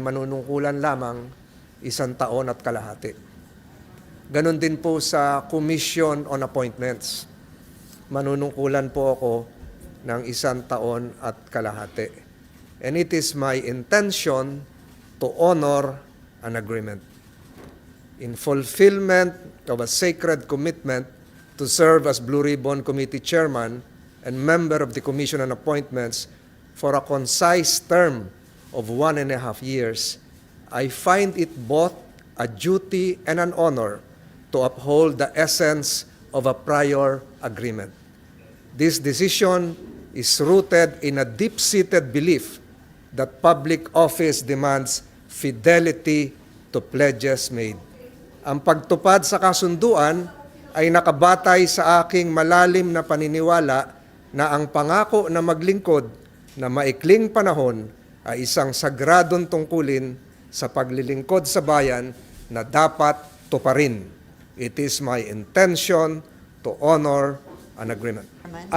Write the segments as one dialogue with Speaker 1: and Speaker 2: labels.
Speaker 1: manunungkulan lamang 1 taon at kalahati. Ganon din po sa Commission on Appointments. Manunungkulan po ako ng 1 taon at kalahati. And it is my intention to honor an agreement. In fulfillment of a sacred commitment to serve as Blue Ribbon Committee Chairman and member of the Commission on Appointments for a concise term of 1.5 years, I find it both a duty and an honor to uphold the essence of a prior agreement. This decision is rooted in a deep-seated belief that public office demands fidelity to pledges made. Ang pagtupad sa kasunduan ay nakabatay sa aking malalim na paniniwala na ang pangako na maglingkod na maikling panahon ay isang sagradong tungkulin sa paglilingkod sa bayan na dapat tuparin. It is my intention to honor an agreement.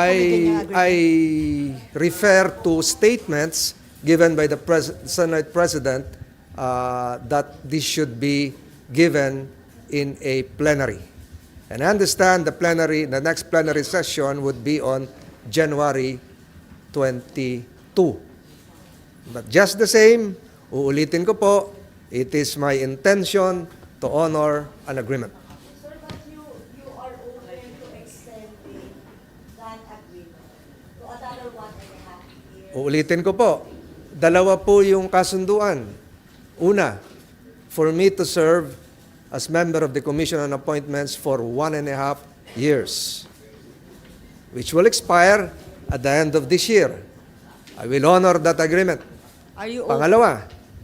Speaker 1: I refer to statements given by the Senate President that this should be given in a plenary. And I understand the next plenary session would be on January 22. But just the same, uulitin ko po, it is my intention to honor an agreement.
Speaker 2: Sir, but you are open to extending that agreement to another 1.5 years?
Speaker 1: Uulitin ko po, 2 po yung kasunduan. Una, for me to serve as member of the Commission on Appointments for 1.5 years, which will expire at the end of this year. I will honor that agreement.
Speaker 2: Are you
Speaker 1: Pangalawa,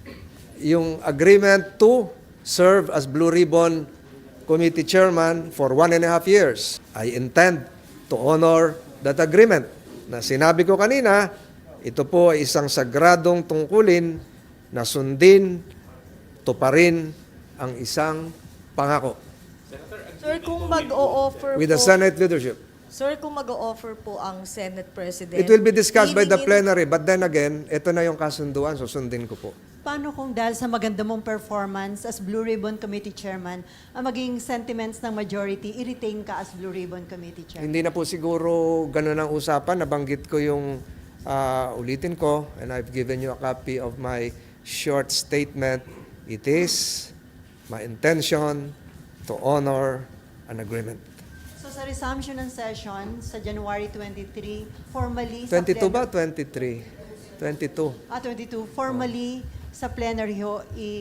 Speaker 1: yung agreement to serve as Blue Ribbon Committee Chairman for 1.5 years. I intend to honor that agreement. Na sinabi ko kanina, ito po ay isang sagradong tungkulin na sundin, tuparin ang isang pangako.
Speaker 2: Sir, kung mag-o-offer
Speaker 1: With the Senate leadership.
Speaker 2: Sir, kung mag-o-offer po ang Senate President,
Speaker 1: It will be discussed by the
Speaker 2: leading in-
Speaker 1: plenary, but then again, ito na yung kasunduan, susundin ko po.
Speaker 3: Paano kung dahil sa maganda mong performance as Blue Ribbon Committee Chairman, ang maging sentiments ng majority, i-retain ka as Blue Ribbon Committee Chairman?
Speaker 1: Hindi na po siguro ganun ang usapan. Nabanggit ko yung ulitin ko, and I've given you a copy of my short statement. It is my intention to honor an agreement.
Speaker 3: So sa resumption ng session sa January 23, formally
Speaker 1: 22
Speaker 3: sa
Speaker 1: ba? 23? 22.
Speaker 3: 22, formally sa plenary ho,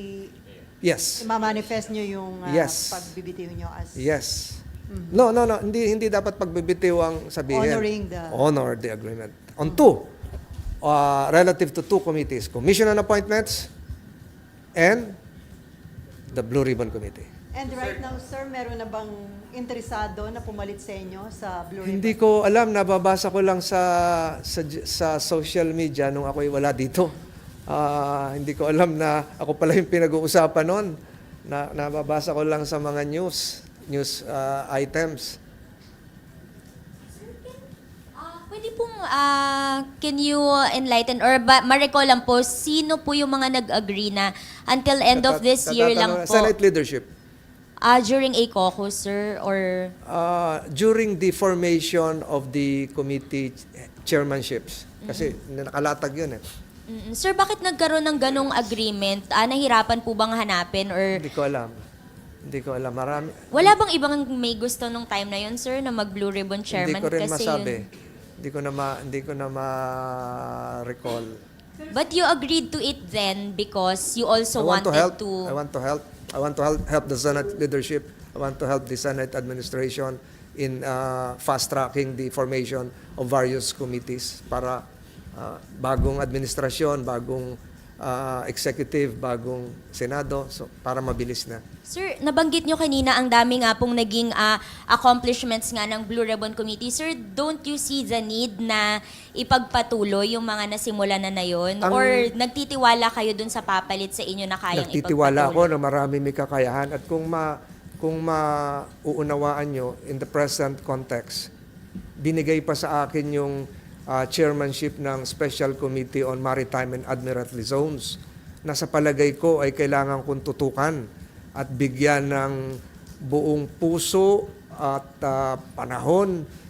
Speaker 1: Yes.
Speaker 3: i-manifest nyo yung
Speaker 1: Yes.
Speaker 3: pagbibitiw nyo as
Speaker 1: Yes. No. Hindi dapat pagbibitiw ang sabihin.
Speaker 3: Honoring the-
Speaker 1: Honor the agreement. On two, relative to 2 committees, Commission on Appointments and the Blue Ribbon Committee.
Speaker 3: And right now, sir, meron na bang interesado na pumalit sa inyo sa Blue Ribbon?
Speaker 1: Hindi ko alam, nababasa ko lang sa social media nung ako'y wala dito. Hindi ko alam na ako pala yung pinag-uusapan noon. Nababasa ko lang sa mga news items.
Speaker 4: Pwede pong, can you enlighten or ma-recall lang po, sino po yung mga nag-agree na until end of this year lang po?
Speaker 1: Senate leadership.
Speaker 4: During a caucus, sir, or...
Speaker 1: During the formation of the committee chairmanships. Kasi nakalatag yun eh.
Speaker 4: Sir, bakit nagkaroon ng ganong agreement? Nahirapan po bang hanapin or...
Speaker 1: Hindi ko alam. Marami.
Speaker 4: Wala bang ibang may gusto nung time na yun, sir, na mag-Blue Ribbon Chairman?
Speaker 1: Hindi ko rin
Speaker 4: Kasi
Speaker 1: masabi.
Speaker 4: yun-
Speaker 1: Hindi ko na ma-recall.
Speaker 4: But you agreed to it then because you also
Speaker 1: I want to
Speaker 4: wanted
Speaker 1: help.
Speaker 4: to...
Speaker 1: I want to help the Senate leadership. I want to help the Senate administration in fast-tracking the formation of various committees para bagong administrasyon, bagong executive, bagong Senado, so para mabilis na.
Speaker 4: Sir, nabanggit nyo kanina ang dami nga pong naging accomplishments nga ng Blue Ribbon Committee. Sir, don't you see the need na ipagpatuloy yung mga nasimula na yun? Or nagtitiwala kayo dun sa papalit sa inyo na kayang
Speaker 1: Nagtitiwala ako
Speaker 4: ipagpatuloy?
Speaker 1: na marami may kakayahan at kung mauunawaan nyo in the present context, binigay pa sa akin yung chairmanship ng Special Committee on Maritime and Admiralty Zones na sa palagay ko ay kailangan kong tutukan at bigyan ng buong puso at panahon